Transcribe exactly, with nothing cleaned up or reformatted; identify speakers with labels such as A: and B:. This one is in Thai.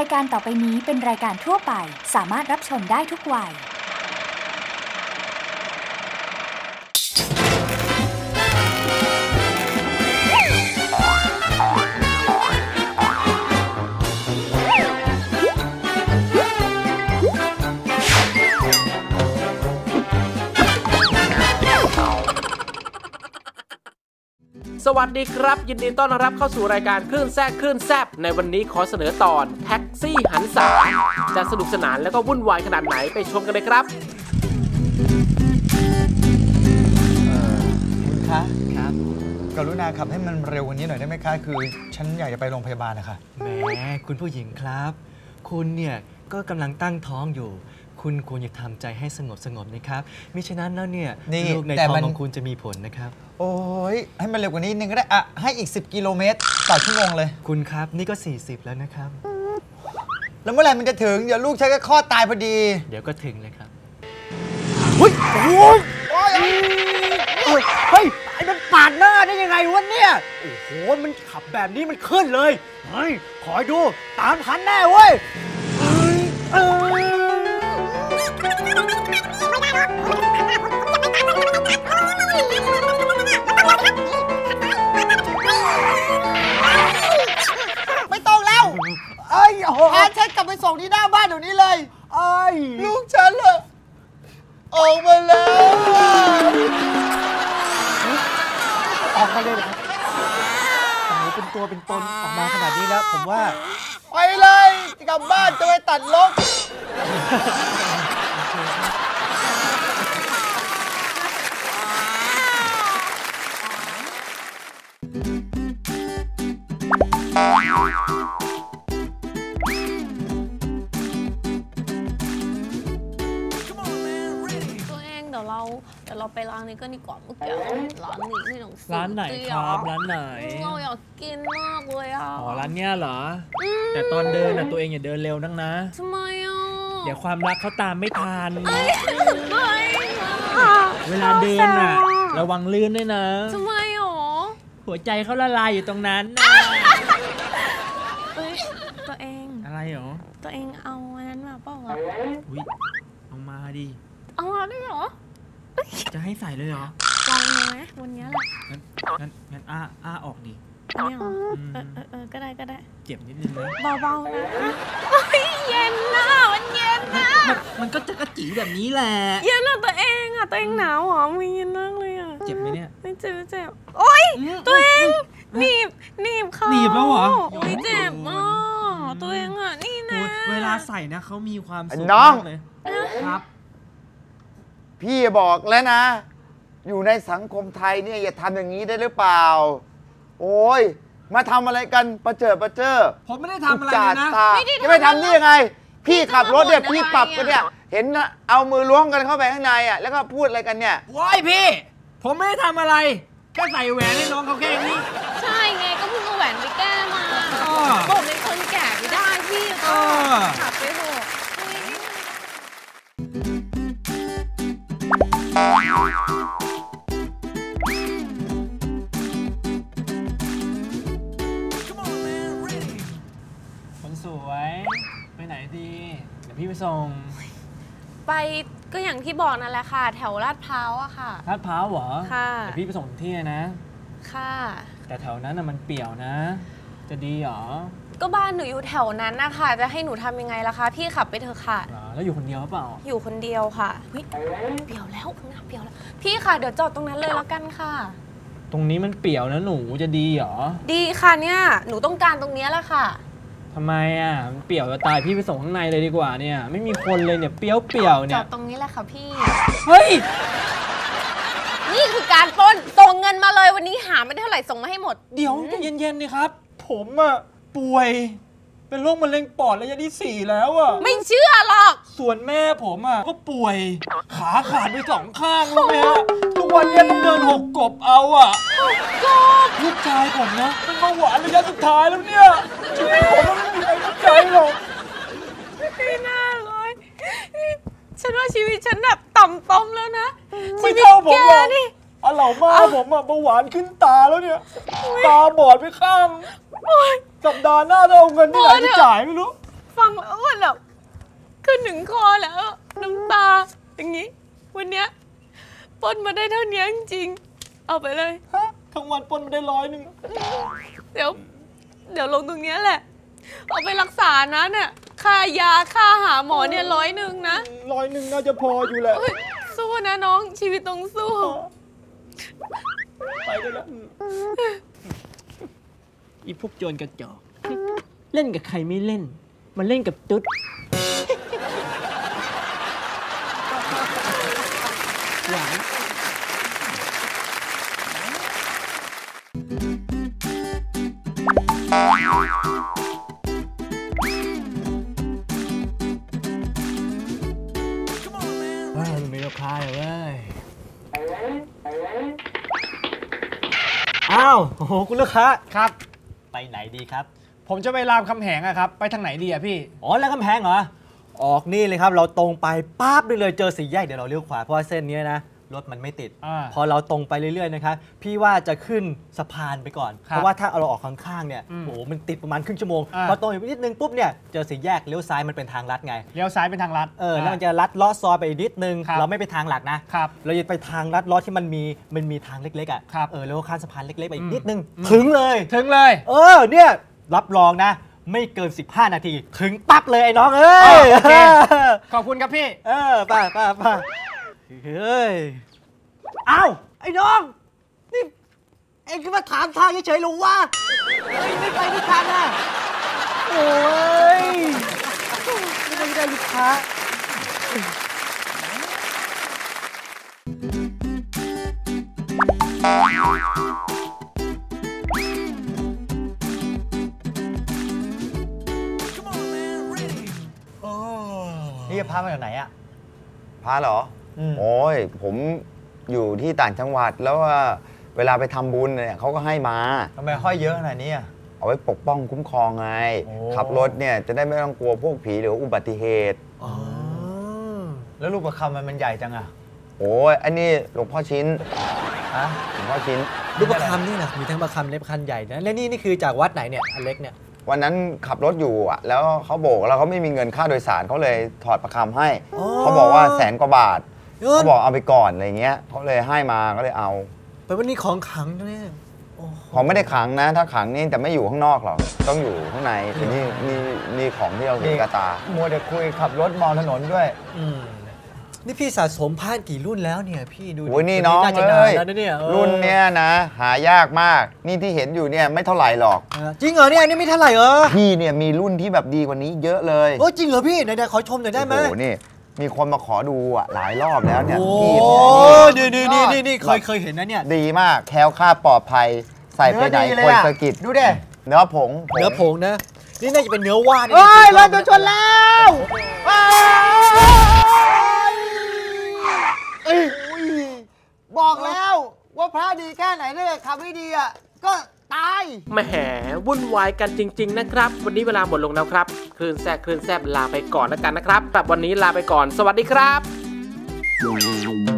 A: ายการต่อไปนี้เป็นรายการทั่วไปสามารถรับชมได้ทุกวัย
B: สวัสดีครับยินดีต้อนรับเข้าสู่รายการคลื่นแซ่บคลื่นแซ่บในวันนี้ขอเสนอตอนแท็กซี่หันษาจะสนุกสนานแล้วก็วุ่นวายขนาดไหนไปชมกันเลยครับ
C: คุณคะครับกรุณาขับให้มันเร็วกว่านี้หน่อยได้ไหมคะคือฉันอยากจะไปโรงพยาบาลนะคะ
D: แหมคุณผู้หญิงครับคุณเนี่ยก็กำลังตั้งท้องอยู่คุณควรจะทำใจให้สงบสงบนะครับมิฉะนั้นแล้วเนี่ยลูกในท้องของคุณจะมีผลนะครับ
C: โอ้ยให้มันเร็วกว่านี้นึงก็ได้อะให้อีกสิบกิโลเมตรต่อชั่วโมงเลย
D: คุณครับนี่ก็สี่สิบแล้วนะครับ
C: แล้วเมื่อไหร่มันจะถึงเดี๋ยวลูกฉันก็คลอดตายพอดี
D: เดี๋ยวก็ถึงเลยครับ
C: เฮ้ยโอ้ย
E: เฮ้ยไอ้มันปาดหน้าได้ยังไงวะเนี่ยโอ้โหมันขับแบบนี้มันขึ้นเลยเฮ้ยคอยดูตามทันแน่เว้ย
C: ไม่ต้องแล้วไอ้โหพาฉันกลับไปส่งที่หน้าบ้านเดี๋ยวนี้เลย
E: ไอ้
C: ลูกฉันเลยออกมาแล้ว
E: ออกมาเลยเหรอโอ้โหเป็นตัวเป็นตนออกมาขนาดนี้แล้วผมว่า
C: ไปเลยกลับบ้านจะไปตัดลก
F: เราเดี๋ยวเราไปร้านนี้ก็ดีกว่าเมื่อกี้ร้านนี้ที่หนังสือ
G: ร้านไหนครับร้านไหน
F: เราอยากกินมากเลยอ่ะ
G: อ๋อร้านเนี้ยเหรอแต่ตอนเดินอ่ะตัวเองอย่าเดินเร็วนักนะ
F: ทำไมอ่ะ
G: เดี๋ยวความรักเขาตามไม่ทัน
F: ไม่
G: เวลาเดินอ่ะระวังลื่นด้วยนะ
F: ทำไมหรอ
G: หัวใจเขาละลายอยู่ตรงนั้น
F: ตัวเอง
G: อะไรหรอ
F: ตัวเองเอาอันนั้นมาเปล่าอ่ะ
G: อุ้ยเอามาดิ
F: เอามาได้หรอ
G: จะให้ใส่เลยเหรอ
F: ลองดูไหมวันนี้แหละ
G: งั้นงั้นงั้นอ้าอ้าออกดิ
F: อันนี้เหรอเออเออเออก็ได้ก็ได้
G: เจ็บนิดนึงนะ
F: เบาๆนะเย็นนะมันเย็นนะ
G: มันก็จะกระจีแบบนี้แหละ
F: เย็นอะตัวเองอะตัวเองหนาวหรอมันเย็นมากเลยอะ
G: เจ็บไหมเนี่ย
F: ไม่เจ็บไม่เจ็บโอ๊ยตัวเองหนีบหนีบเขา
G: หนีบแล้วเหรอ
F: ไม่เจ็บอ่ะตัวเองอะนี่นะ
G: เวลาใส่นะเขามีความสุข
C: มาก
G: เลยครับ
C: พี่บอกแล้วนะอยู่ในสังคมไทยเนี่ยอย่าทำอย่างนี้ได้หรือเปล่าโอ้ยมาทำอะไรกันประเจิดประเจิด
G: ผมไม่ได้ทำอะไรเลยนะ
C: จะไม่ทำได้ยังไงพี่ขับรถเนี่ยพี่ปรับกันเนี่ยเห็นนะเอามือล้วงกันเข้าไปข้างในอ่ะแล้วก็พูดอะไรกันเนี่ย
G: ว้ายพี่ผมไม่ได้ทำอะไรแค่ใส่แหวนให้น้องเขาแค่นี้
F: ใช่ไงก็เพิ่งเอาแหวนไปแก้มาผมเป็นคนแก่ไม่ได้พี่ก็ขับไปเถอะ
G: คนสวยไปไหนดีเดี๋ยวพี่ไปส่ง
F: ไปก็อย่างที่บอกนั่นแหละค่ะแถวลาดพร้าวอะค่ะ
G: ลาดพร้าวเหรอ
F: ค่ะ
G: เดี๋ยวพี่ไปส่งที่นะ
F: ค่ะ
G: แต่แถวนั้นน่ะมันเปี่ยวนะจะดีเหรอ
F: ก็บ้านหนูอยู่แถวนั้นนะคะจะให้หนูทำยังไงล่ะคะพี่ขับไปเถอะค่ะ
G: แล้วอยู่คนเดียวหรือเปล่า
F: อยู่คนเดียวค่ะเฮ้ยเปี่ยวแล้วข้างหน้าเปี่ยวแล้วพี่ค่ะเดี๋ยวจอดตรงนั้นเลยแล้วกันค่ะ
G: ตรงนี้มันเปี่ยวนะหนูจะดีเหรอ
F: ดีค่ะเนี่ยหนูต้องการตรงนี้แหละค่ะ
G: ทำไมอ่ะมันเปี่ยวจะตายพี่ไปส่งข้างในเลยดีกว่าเนี่ยไม่มีคนเลยเนี่ยเปรี้ยวเปี่ยวเนี่ย
F: จอดตรงนี้แหละค่ะพี่
G: เฮ้ย
F: นี่คือการปล้นส่งเงินมาเลยวันนี้หาไม่ได้เท่าไหร่ส่งมาให้หมด
G: เดี๋ยวเย็นๆนี่ครับผมอ่ะป่วยเป็นโรคมะเร็งปอดระยะที่สี่แล้วอ่ะ
F: ไม่เชื่อหรอก
G: ส่วนแม่ผมอ่ะก็ป่วยขาขาดไปสองข้างรู้ไหมฮะทุกวันนี้ต้องเดินหกกบเอาอ่ะ
F: กบ
G: ลูกชายผมนะเป็นเบาหวานระยะสุดท้ายแล้วเนี่ยชีวิตผมมันไม่มีใครเข้าใจหรอก
F: ไม่น่าเลยฉันว่าชีวิตฉันแบบต่ำต้มแล้วนะ
G: ไม่เท่าผมหรอกอ่ะเหล่ามาผมอ่ะเบาหวานขึ้นตาแล้วเนี่ยตาบอดไปข้างสัปดาห์หน้าต้องเอาเงินที่ไหนไปจ่ายไม่รู้
F: ฟังแล้วมันแบบขึ้นถึงคอแล้วน้ำตาอย่างนี้วันเนี้ยปล้นมาได้เท่านี้จริงๆเอาไปเลย
G: ฮะทั้งวันปล้นมาได้ร้อยหนึ่ง
F: เดี๋ยวเดี๋ยวลงตรงนี้แหละเอาไปรักษานะเนี่ยค่ายาค่าหาหมอเนี่ยร้อยหนึ่งนะ
G: ร้อยหนึ่งน่าจะพออยู่แหละ
F: สู้นะน้องชีวิตต้องสู้
G: ไปได้แล้ว
E: อีพวกโจรกระจอกเล่นกับใครไม่เล่นมาเล่นกับตุ๊ดหวานว้าวมีลูกค้าเลยเว้ยอ้าวโอ้โหคุณลูกค้า
G: ครับ
E: ไปไหนดีครับ
G: ผมจะไปรามคำแหงอะครับไปทางไหนดีอะพี่
E: อ๋อรามคำแหงเหรอออกนี่เลยครับเราตรงไปปั๊บได้เลยเจอสี่แยกเดี๋ยวเราเลี้ยวขวาเพราะว่าเส้นนี้นะรถมันไม่ติดพอเราตรงไปเรื่อยๆนะครับพี่ว่าจะขึ้นสะพานไปก่อนเพราะว่าถ้าเราออกข้างๆเนี่ยโอ้โหมันติดประมาณครึ่งชั่วโมงพอตรงอีกนิดนึงปุ๊บเนี่ยเจอสี่แยกเลี้ยวซ้ายมันเป็นทางลัดไง
G: เลี้ยวซ้ายเป็นทางลัด
E: เออแล้วมันจะลัดลอดซอยไปอีกนิดนึงเราไม่ไปทางหลักนะครับเราจะไปทางลัดลอดที่มันมีมันมีทางเล็กๆอ่ะเออแล้วข้ามสะพานเล็กๆไปอีกนิดนึงถึงเลย
G: ถึงเลย
E: เออเนี่ยรับรองนะไม่เกินสิบห้านาทีถึงปั๊บเลยไอ้น้องเอ้ย
G: ขอบคุณครับพี่
E: เออป่ะป่ะป่ะเฮ้ยอ้าวไอ้น้องนี่เอ็งก็มาถามทางเฉยๆหรือวะเฮ้ยไม่ไปด้วยกันอ่ะโอ้ยไม่ได้ลูกค้านี่จะพามาจากไหนอ่ะ
C: พาเหรอโอ้ยผมอยู่ที่ต่างจังหวัดแล้วว่าเวลาไปทำบุญเนี่ยเขาก็ให้มา
E: ทำไมห้อยเยอะขนาดนี้
C: เอาไว้ปกป้องคุ้มครองไงขับรถเนี่ยจะได้ไม่ต้องกลัวพวกผีหรืออุบัติเหตุ
E: อ๋อแล้วลูกประคำมันมันใหญ่จังอ่ะ
C: โอ้ยอันนี้หลวงพ่อชิ้น
E: ฮะ
C: หลวงพ่อชิ้น
E: ลูกประคำนี่นะมีทั้งประคำเล็กประคำใหญ่นะและนี่นี่คือจากวัดไหนเนี่ยอันเล็กเนี่ย
C: วันนั้นขับรถอยู่อ่ะแล้วเขาโบกแล้วเขาไม่มีเงินค่าโดยสารเขาเลยถอดประคำให้เขาบอกว่าแสนกว่าบาทเขาบอกเอาไปก่อนอะไรเงี้ยเขาเลยให้มาก็เลยเอา
E: ไปวันนี้ของขังเนี่ย
C: ของไม่ได้ขังนะถ้าขังนี่แต่ไม่อยู่ข้างนอกหรอกต้องอยู่ข้างในคือนี่นี่นี่ของที่เราเห็นกระตา
E: มัวแต่คุยขับรถมองถนนด้วยนี่พี่สะสมผ้ากี่รุ่นแล้วเนี่ยพี่ดู
C: โอ้ยนี่น้องเลยรุ่นเนี้ยนะหายากมากนี่ที่เห็นอยู่เนี่ยไม่เท่าไหร่หรอก
E: จริงเหรอเนี่ยนี่ไม่เท่าไหร่เหรอ
C: พี่เนี่ยมีรุ่นที่แบบดีกว่านี้เยอะเลย
E: โอ้จริงเหรอพี่ไหนๆขอชมหน่อยได้ไหม
C: โอ้นี่มีคนมาขอดูอ่ะหลายรอบแล้วเนี่ย
E: พี่นี่นี่นี่นี่นี่เคยเคยเห็นนะเนี่ย
C: ดีมากแคล้วคลาดปลอดภัยใส่ไปไหนคนสะกิด
E: ดูดิ
C: เนื้อผง
E: เนื้อผงนะนี่น่าจะเป็นเนื้อว่าน
C: เฮ้ยรถโดนชนแล้วบอกแล้วว่าพระดีแค่ไหนเนี่ยขับไม่ดีอ่ะก็ตาย
B: แหมวุ่นวายกันจริงๆนะครับวันนี้เวลาหมดลงแล้วครับคลื่นแซ่บคลื่นแซ่บลาไปก่อนแล้วกันนะครับแบบวันนี้ลาไปก่อนสวัสดีครับ